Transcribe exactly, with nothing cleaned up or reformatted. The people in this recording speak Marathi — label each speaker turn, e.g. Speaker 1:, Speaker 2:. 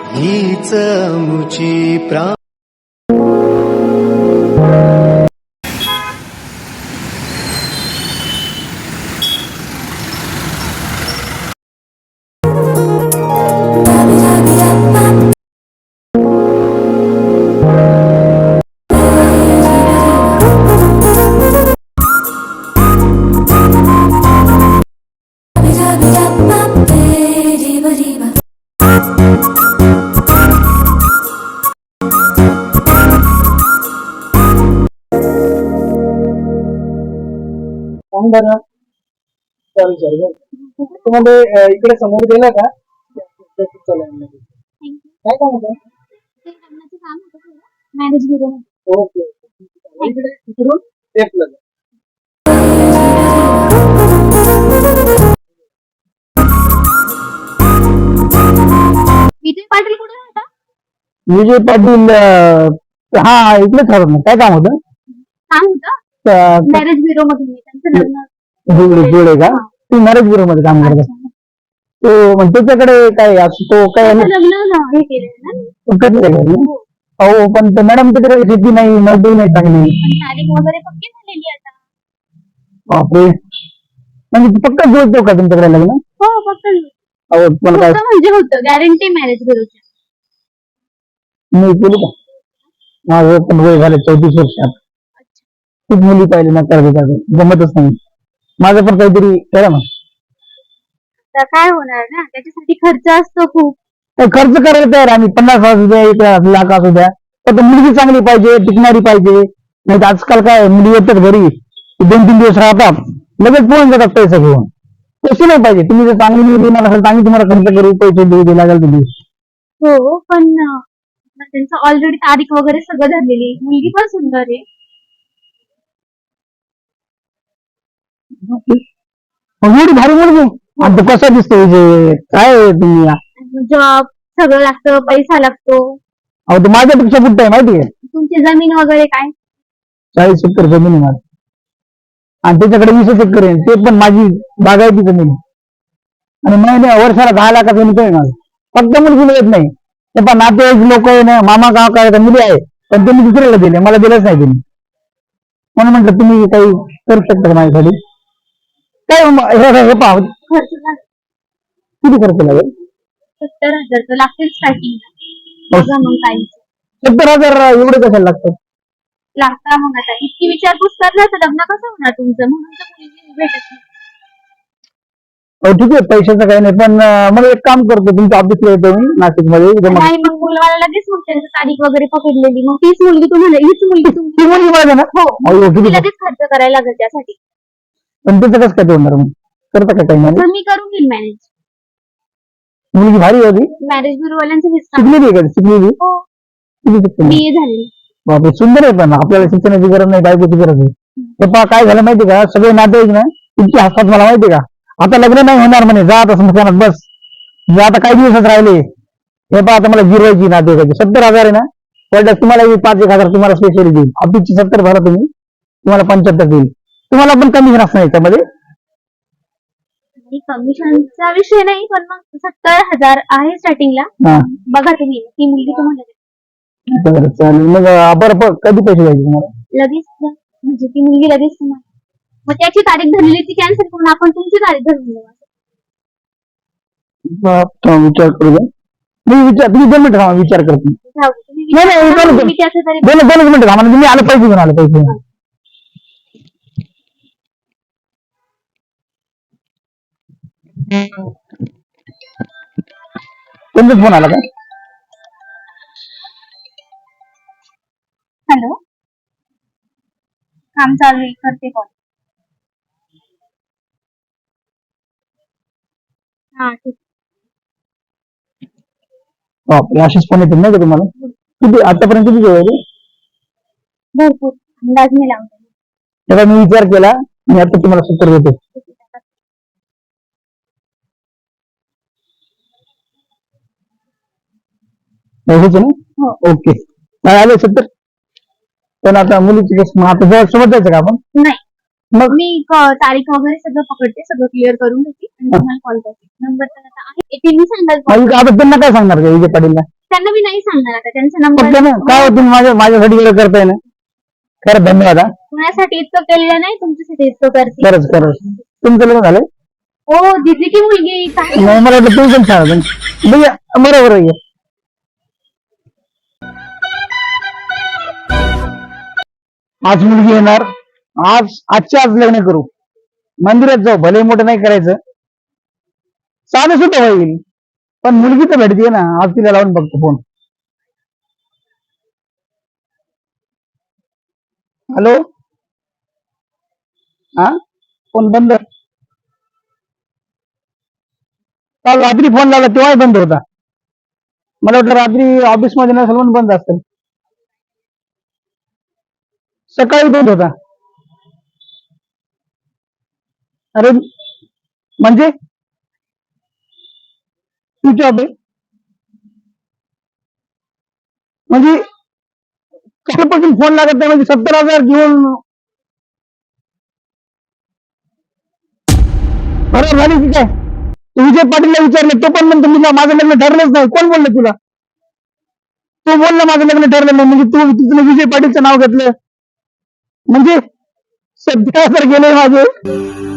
Speaker 1: हीच मुची प्रा
Speaker 2: तुम्हाला इकडे समोर गेला का काय काम होतं
Speaker 3: मॅरेज ब्युरो
Speaker 2: ओके इकडे इकडून लेफ्टला जा.
Speaker 3: विजय पाटील कुठे राहता?
Speaker 2: विजय पाटील हा इकडेच राहतात ना. काय काम होतं
Speaker 3: काम होतं मॅरेज ब्युरो मधून मी त्यांचं लग्न
Speaker 2: जुळे जुळे का ती मॅरेज ब्युरो मध्ये काम करतात तो मग त्याच्याकडे काय असं तो काय
Speaker 3: त्यांचं लग्न हे केलेलं ना
Speaker 2: कसं काय करणार? हो पण ते मॅडम तिकडे शेती नाही मजदूर नाही चांगली
Speaker 3: पण तारीख वगैरे पक्की झालेली आता.
Speaker 2: बापरे म्हणजे पक्का जुळतो का तुमच्याकडे लग्न
Speaker 3: हो फक्त
Speaker 2: अहो तुम्हाला काय
Speaker 3: म्हणजे होतं गॅरंटी मॅरेज ब्युरोची.
Speaker 2: मी केली का माझं पण वय झालं चौतीस वर्षात खूप मुली पाहिले ना कर्ज जमतच नाही माझं पण काहीतरी करा ना.
Speaker 3: तर काय होणार ना त्याच्यासाठी खर्च असतो खूप.
Speaker 2: खर्च करायला तयार आम्ही पन्नास हजार द्या एक लाख असू द्या तर मुलगी चांगली पाहिजे टिकणारी पाहिजे नाही तर आजकाल काय मुली येतात घरी दोन तीन दिवस राहतात लगेच पळून जातात पैसे घेऊन तसे नाही पाहिजे. तुम्ही जर चांगली मुलगी देणार असेल चांगली तुम्हाला खर्च करू पैसे देऊ दे लागेल तुम्ही.
Speaker 3: हो पण त्यांचं ऑलरेडी तारीख वगैरे सगळं झालेली मुलगी पण सुंदर आहे.
Speaker 2: एवढी भारी मुलगी आता कसा दिसतो विजय काय तुम्ही
Speaker 3: जॉब सगळं लागतं पैसा लागतो.
Speaker 2: अहो तर माझ्यापेक्षा कुठं आहे माहिती आहे
Speaker 3: तुमची जमीन वगैरे काय
Speaker 2: चाळीस एकर जमीन आहे माझी आणि त्याच्याकडे वीस एकर आहे ते पण माझी बागायती जमीन आहे आणि महिन्या वर्षाला दहा लाखाचा इन्कम आहे माझं फक्त मुलगी मिळत नाही ते पण नातेवाईक लोक आहे ना मामा गाव काय मुली आहे पण त्यांनी दुसऱ्याला दिले मला दिलंच नाही त्यांनी म्हणून म्हटलं तुम्ही काही करू शकता का माझ्यासाठी काय हे पाहू
Speaker 3: खर्च लागतो
Speaker 2: किती खर्च लागेल
Speaker 3: सत्तर हजार तर लागतील स्टार्टिंगला बघा मग काही
Speaker 2: सत्तर हजार एवढे कशाला लागतात
Speaker 3: लागता मग आता इतकी विचारपूस करणार तर लग्न कसं होणार तुमचं म्हणून तर मुलगी भेटत नाही.
Speaker 2: हो ठीक आहे पैशाचं काही नाही पण मला एक काम करतो तुमच्या ऑफिसला येतो मी नाशिक मध्ये
Speaker 3: नाही मग मुलगाला लगेच मग त्यांची तारीख वगैरे पकडलेली मग तीच मुलगी तुम्हाला हीच मुलगी
Speaker 2: ती मुलगी माझ्या ना
Speaker 3: हो
Speaker 2: अहो, किती
Speaker 3: लगेच खर्च करायला लागेल त्यासाठी.
Speaker 2: पण त्याचं कसं काय तोडणार मग करता का काही
Speaker 3: तर मी करून घेईन मॅनेज.
Speaker 2: मुलगी भारी होती
Speaker 3: मॅरेज ब्युरोवाल्यांचं हेच काम.
Speaker 2: शिकलेली आहे का शिकलेली
Speaker 3: हो
Speaker 2: किती शिकली
Speaker 3: बी ए झालेली.
Speaker 2: बापरे सुंदर आहे पण आपल्याला शिक्षणाची गरज नाही बायकोची गरज आहे हे पहा काय झालं माहिती का सगळे नातेवाईक ना इतके हसतात मला माहिती का आता लग्न नाही होणार म्हणे जा आता समजा बस जे आता काही दिवसात राहिले हे पहा आता मला जिरवायची नातेवाईकाची सत्तर हजार आहे ना पडल्यास तुम्हाला पाच एक हजार तुम्हाला स्पेशली देईल ऑफिसची सत्तर भरा तुम्ही तुम्हाला पंच्याहत्तर देईल तुम्हाला पण कमिशन असणार याच्यामध्ये
Speaker 3: कमिशनचा विषय नाही पण मग सत्तर हजार आहे स्टार्टिंगला बघा तुम्ही ती मुलगी तुम्हाला
Speaker 2: बरं चालेल मग बरं कधी पैसे द्यायचे तुम्हाला
Speaker 3: लगेच द्या. म्हणजे ती मुलगी लगेच तुम्हाला मग त्याची तारीख धरलेली ती कॅन्सल करून आपण तुमची तारीख धरून देऊ.
Speaker 2: विचार करू द्या मी विचार तुम्ही दोन मिनिट थांबा विचार करतो
Speaker 3: जाऊ दे. तुम्ही
Speaker 2: नाही नाही
Speaker 3: विचारा,
Speaker 2: दोन
Speaker 3: मी त्याचं तरी
Speaker 2: दोन दोनच मिनिट थांबा तुम्ही आलं पैसे घेऊन आलं पैसे तुमचाच फोन आला का
Speaker 3: हॅलो काम चालू आहे करते कॉल. हा ठीक
Speaker 2: बापरे असेच फोन येतील नाही का तुम्हाला किती आतापर्यंत किती जेवायचे
Speaker 3: भरपूर अंदाज मी लावते.
Speaker 2: तेव्हा मी विचार केला मी आता तुम्हाला सत्तर देतो हेच ना ओके आले सत्तर पण आता मुलीची कसं आता जवळ सोबत जायचं का आपण
Speaker 3: नाही मग मी तारीख वगैरे सगळं पकडते सगळं क्लिअर करून घेते आणि तुम्हाला कॉल करते नंबर तर आता आहे ते मी सांगाल
Speaker 2: आता त्यांना काय सांगणार का विजय पाटीलला
Speaker 3: त्यांना मी नाही सांगणार आता त्यांचा
Speaker 2: फक्त
Speaker 3: नंबर
Speaker 2: ना काय हो तुम्ही माझ्या माझ्यासाठी एवढं करताय ना, खरं धन्यवाद हा.
Speaker 3: माझ्यासाठी इतकं केलेलं नाही, तुमच्यासाठी इतकं करते.
Speaker 2: खरंच खरंच तुमचं लग्न झालंय?
Speaker 3: हो दिदी की मुलगी काय
Speaker 2: नाही मला वाटलं तुम्ही पण छान होतं. भैया बरोबर आहे. आज मुलगी येणार, आज आजच्या आज लग्न करू, मंदिरात जाऊ, भले मोठं नाही करायचं, साधं सुद्धा होईल, पण मुलगी तर भेटते ना. आज तिला लावून बघतो फोन. हॅलो, हा फोन बंद. काल रात्री फोन लावला तेव्हाही बंद होता. मला वाटलं रात्री ऑफिस मध्ये नसेल म्हणून बंद असेल. सकाळी बंद होता. अरे म्हणजे स्विच ऑफ आहे म्हणजे कालपासून फोन लागत नाही म्हणजे सत्तर हजार घेऊन बरोबर झाली की काय? तू विजय पाटीलला विचारले, तो पण म्हणतो मी माझं लग्न ठरलंच नाही. कोण बोललं तुला? तो बोलला माझं लग्न ठरलं नाही, म्हणजे तू तिथलं विजय पाटीलचं नाव घेतलं म्हणजे सध्या तर गेले माझे.